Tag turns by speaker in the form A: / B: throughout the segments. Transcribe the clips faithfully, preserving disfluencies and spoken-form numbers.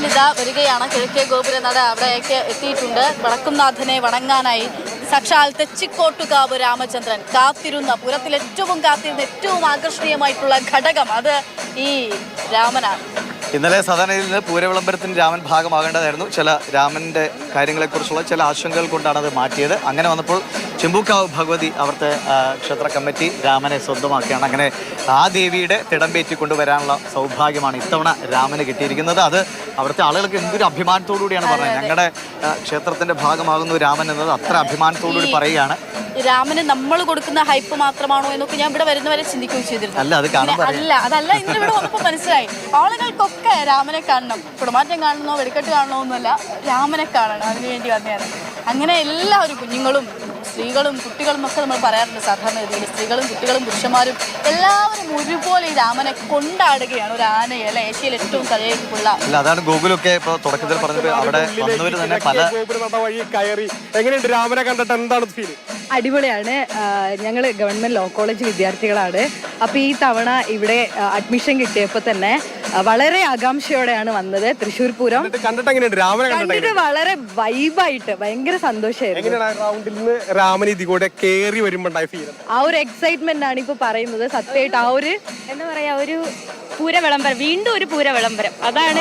A: രാമനിത വരികയാണ്. കിഴക്കേ ഗോപുരനട അവിടേക്ക് എത്തിയിട്ടുണ്ട്. വടക്കുംനാഥനെ വണങ്ങാനായി സാക്ഷാൽ തെച്ചിക്കോട്ടുകാവ് രാമചന്ദ്രൻ കാത്തിരുന്ന, പുരത്തിൽ ഏറ്റവും കാത്തിരുന്ന, ഏറ്റവും ആകർഷണീയമായിട്ടുള്ള ഘടകം അത് ഈ രാമനാണ്.
B: ഇന്നലെ സാധാരണയിൽ നിന്ന് പൂരവിളംബരത്തിന് രാമൻ ഭാഗമാകേണ്ടതായിരുന്നു. ചില രാമൻ്റെ കാര്യങ്ങളെക്കുറിച്ചുള്ള ചില ആശങ്കകൾ കൊണ്ടാണ് അത് മാറ്റിയത്. അങ്ങനെ വന്നപ്പോൾ ചെമ്പൂക്കാവ് ഭഗവതി അവിടുത്തെ ക്ഷേത്ര കമ്മിറ്റി രാമനെ സ്വന്തമാക്കുകയാണ്. അങ്ങനെ ആ ദേവിയുടെ തിടമ്പേറ്റി കൊണ്ടുവരാനുള്ള സൗഭാഗ്യമാണ് ഇത്തവണ രാമന് കിട്ടിയിരിക്കുന്നത്. അത് അവിടുത്തെ ആളുകൾക്ക് എന്തൊരു അഭിമാനത്തോടു കൂടിയാണ് പറഞ്ഞത്. ഞങ്ങളുടെ ക്ഷേത്രത്തിന്റെ ഭാഗമാകുന്നു രാമൻ എന്നത് അത്ര അഭിമാനത്തോടുകൂടി പറയുകയാണ്.
A: രാമന് നമ്മൾ കൊടുക്കുന്ന ഹൈപ്പ് മാത്രമാണോ എന്നൊക്കെ ഞാൻ ഇവിടെ വരുന്നവരെ ചിന്തിക്കുകയും ചെയ്തിരുന്നു.
B: അല്ല അത്
A: അല്ല അതല്ല ഇന്ന് ഇവിടെ വന്നപ്പോൾ മനസ്സിലായി. ആളുകൾക്കൊക്കെ രാമനെ കാണണം, കുടമാറ്റം കാണണമെന്നോ വെടിക്കെട്ട് കാണണമോ ഒന്നുമല്ല, രാമനെ കാണണം, അതിനുവേണ്ടി വന്നതാണ്. അങ്ങനെ എല്ലാവരും, കുഞ്ഞുങ്ങളും സ്ത്രീകളും കുട്ടികളും ഒക്കെ നമ്മൾ പറയാറുണ്ട് സാധാരണ രീതിയിൽ. സ്ത്രീകളും കുട്ടികളും പുരുഷന്മാരും എല്ലാവരും ഒരുപോലെ ഈ രാമനെ കൊണ്ടാടുകയാണ്. ഒരു ആനയെ അല്ല ഏഷ്യയിൽ ഏറ്റവും തലയേക്കുള്ള.
B: അല്ല അതാണ് ഗോകുലൊക്കെ ഇപ്പൊ തുടക്കത്തിൽ പറഞ്ഞത്. അവിടെ വന്നവർ തന്നെ പല
C: വഴി കയറി എങ്ങനെയുണ്ട് രാമനെ കണ്ടിട്ട് എന്താണ് ഫീൽ?
D: അടിപൊളിയാണ്. ഞങ്ങൾ ഗവൺമെന്റ് ലോ കോളേജ് വിദ്യാർത്ഥികളാണ്. അപ്പോൾ ഈ തവണ ഇവിടെ അഡ്മിഷൻ കിട്ടിയപ്പോൾ തന്നെ വളരെ ആകാംക്ഷയോടെയാണ് വന്നത്. തൃശ്ശൂർ പൂരം കണ്ടിട്ട് വളരെ വൈബായിട്ട് ഭയങ്കര സന്തോഷമായിരുന്നു.
C: രാമൻ ഇതികൂടെ കേറി വരുമ്പോണ്ടായ ഫീൽ,
D: ആ ഒരു എക്സൈറ്റ്മെന്റ് ആണ് ഇപ്പൊ പറയുന്നത്. സത്യമായിട്ട് ആ ഒരു
E: എന്താ പറയാ, ഒരു പൂര വിളംബരം, വീണ്ടും ഒരു പൂര വിളംബരം. അതാണ്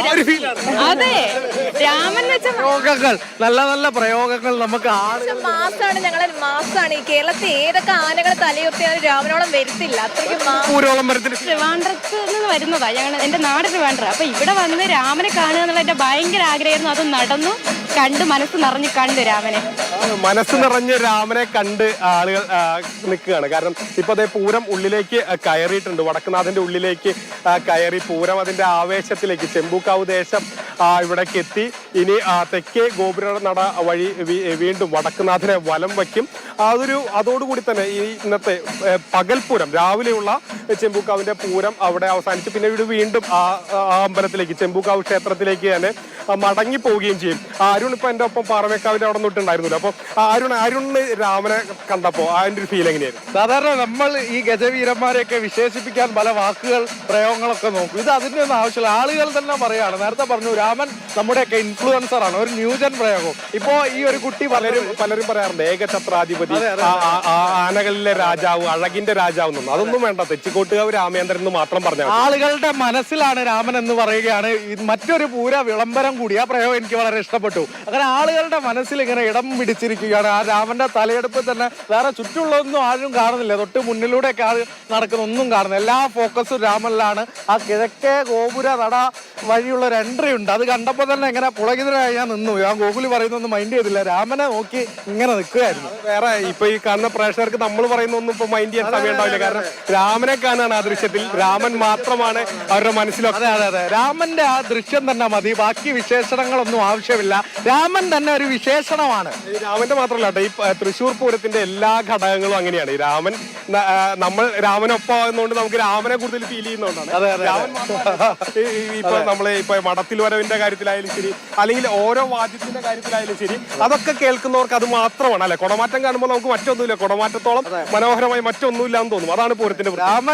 E: അതെ രാമൻ വെച്ച
C: പ്രയോഗങ്ങൾ, നല്ല നല്ല പ്രയോഗങ്ങൾ. നമുക്ക്
E: മാസാണ്, ഞങ്ങളെ മാസാണ്. ഈ കേരളത്തിൽ ഏതൊക്കെ ആനകൾ തലയുർത്തിയാലും രാമനോളം വരുത്തില്ല. അത്രയ്ക്ക് ട്രിവാൻഡ്രത്ത് നിന്ന് വരുന്നതാ ഞങ്ങൾ, എന്റെ നാട് ട്രിവാൻഡ്രം. അപ്പൊ ഇവിടെ വന്ന് രാമനെ കാണുക എന്നുള്ള എന്റെ ഭയങ്കര ആഗ്രഹമായിരുന്നു. അത് നടന്നു, കണ്ട് മനസ്സ് നിറഞ്ഞു കണ്ട് രാമനെ
C: മനസ്സ് നിറഞ്ഞ് രാമനെ കണ്ട് ആളുകൾ നിൽക്കുകയാണ്. കാരണം ഇപ്പൊ അതേ പൂരം ഉള്ളിലേക്ക് കയറിയിട്ടുണ്ട്. വടക്കുനാഥന്റെ ഉള്ളിലേക്ക് കയറി പൂരം അതിന്റെ ആവേശത്തിലേക്ക് ചെമ്പൂക്കാവ് ദേശം ഇവിടേക്ക് എത്തി. ഇനി തെക്കേ ഗോപുര നട വഴി വീണ്ടും വടക്കുനാഥനെ വലം വയ്ക്കും. അതൊരു അതോടുകൂടി തന്നെ ഈ ഇന്നത്തെ പകൽപൂരം, രാവിലെയുള്ള ചെമ്പൂക്കാവിന്റെ പൂരം അവിടെ അവസാനിച്ച് പിന്നെ ഇവിടെ വീണ്ടും ആ അമ്പലത്തിലേക്ക്, ചെമ്പൂക്കാവ് ക്ഷേത്രത്തിലേക്ക് തന്നെ മടങ്ങി പോവുകയും ചെയ്യും. അരുൺ ഇപ്പൊ എന്റെ ഒപ്പം പാറമേക്കാവിന്റെ അവിടെ നിന്നിട്ടുണ്ടായിരുന്നില്ല. അപ്പൊ അരുൺ അരുണിന് രാമനെ കണ്ടപ്പോ അതിന്റെ ഒരു ഫീൽ എങ്ങനെയായിരുന്നു?
F: സാധാരണ നമ്മൾ ഈ ഗജവീരന്മാരെയൊക്കെ വിശേഷിപ്പിക്കാൻ പല വാക്കുകൾ പ്രയോഗങ്ങളൊക്കെ നോക്കും. ഇത് അതിന്റെ ഒന്നും ആവശ്യമില്ല, ആളുകൾ തന്നെ പറയാണ്. നേരത്തെ പറഞ്ഞു രാമൻ നമ്മുടെയൊക്കെ ഇൻഫ്ലുവൻസർ ആണ്, ഒരു ന്യൂജൻ പ്രയോഗം. ഇപ്പോ ഈ ഒരു കുട്ടി പലരും
C: പലരും പറയാറുണ്ട് ഏകഛത്രാധിപതി, ആനകളിലെ രാജാവ്, അഴകിന്റെ രാജാവ് എന്നൊന്നും. അതൊന്നും വേണ്ട, തെച്ചിക്കോട്ടുകാവ് രാമേന്ദ്രൻ എന്ന് മാത്രം പറഞ്ഞു.
F: ആളുകളുടെ മനസ്സിലാണ് രാമൻ എന്ന് പറയുകയാണ്. മറ്റൊരു പൂര വിളംബരം കൂടി, ആ പ്രയോഗം എനിക്ക് വളരെ ഇഷ്ടപ്പെട്ടു. അങ്ങനെ ആളുകളുടെ മനസ്സിൽ ഇങ്ങനെ ഇടം പിടിച്ചിരിക്കുകയാണ്. ആ രാമന്റെ തലയെടുപ്പിൽ തന്നെ വേറെ ചുറ്റുള്ളതൊന്നും ആരും കാണുന്നില്ല. തൊട്ട് മുന്നിലൂടെയൊക്കെ ആൾ നടക്കുന്ന ഒന്നും കാണുന്നില്ല. എല്ലാ ഫോക്കസും രാമനിലാണ്. ആ കിഴക്കേ ഗോപുര നട വഴിയുള്ള ഒരു എൻട്രി ഉണ്ട്. അത് കണ്ടപ്പോൾ തന്നെ ഇങ്ങനെ പുളകിതരായി ഞാൻ നിന്നു. ആ ഗോകുലി പറയുന്നൊന്നും മൈൻഡ് ചെയ്തില്ല, രാമനെ നോക്കി ഇങ്ങനെ നിൽക്കുകയായിരുന്നു.
C: വേറെ ഇപ്പൊ ഈ കാണുന്ന പ്രേക്ഷകർക്ക് നമ്മൾ പറയുന്നൊന്നും ഇപ്പൊ മൈൻഡ് ചെയ്യാൻ സമയം ഉണ്ടാവില്ല. കാരണം രാമനെ കാണാണ് ആ ദൃശ്യത്തിൽ. രാമൻ മാത്രമാണ് അവരുടെ മനസ്സിലൊക്കെ.
F: അതെ അതെ അതെ രാമന്റെ ആ ദൃശ്യം തന്നെ മതി, ബാക്കി വിശേഷണങ്ങളൊന്നും ആവശ്യമില്ല. രാമൻ തന്നെ ഒരു വിശേഷണമാണ്.
C: രാമന്റെ മാത്രമല്ല കേട്ടോ, ഈ തൃശ്ശൂർ പൂരത്തിന്റെ എല്ലാ ഘടകങ്ങളും അങ്ങനെയാണ്. ഈ രാമൻ, നമ്മൾ രാമനൊപ്പം ആകുന്നതുകൊണ്ട് നമുക്ക് രാമനെ കൂടുതൽ ഫീൽ ചെയ്യുന്നതുകൊണ്ടാണ്. ഇപ്പൊ നമ്മള് ഇപ്പൊ മടത്തിൽ വരവിന്റെ കാര്യത്തിലായാലും ശരി, അല്ലെങ്കിൽ ഓരോ വാദ്യത്തിന്റെ കാര്യത്തിലായാലും ശരി, അതൊക്കെ കേൾക്കുന്നവർക്ക് അത് മാത്രമാണ്. അല്ലെ, കുടമാറ്റം കാണുമ്പോൾ നമുക്ക് മറ്റൊന്നുമില്ല, കുടമാറ്റത്തോളം മനോഹരമായി മറ്റൊന്നുമില്ല എന്ന് തോന്നും. അതാണ് പൂരത്തിന്റെ.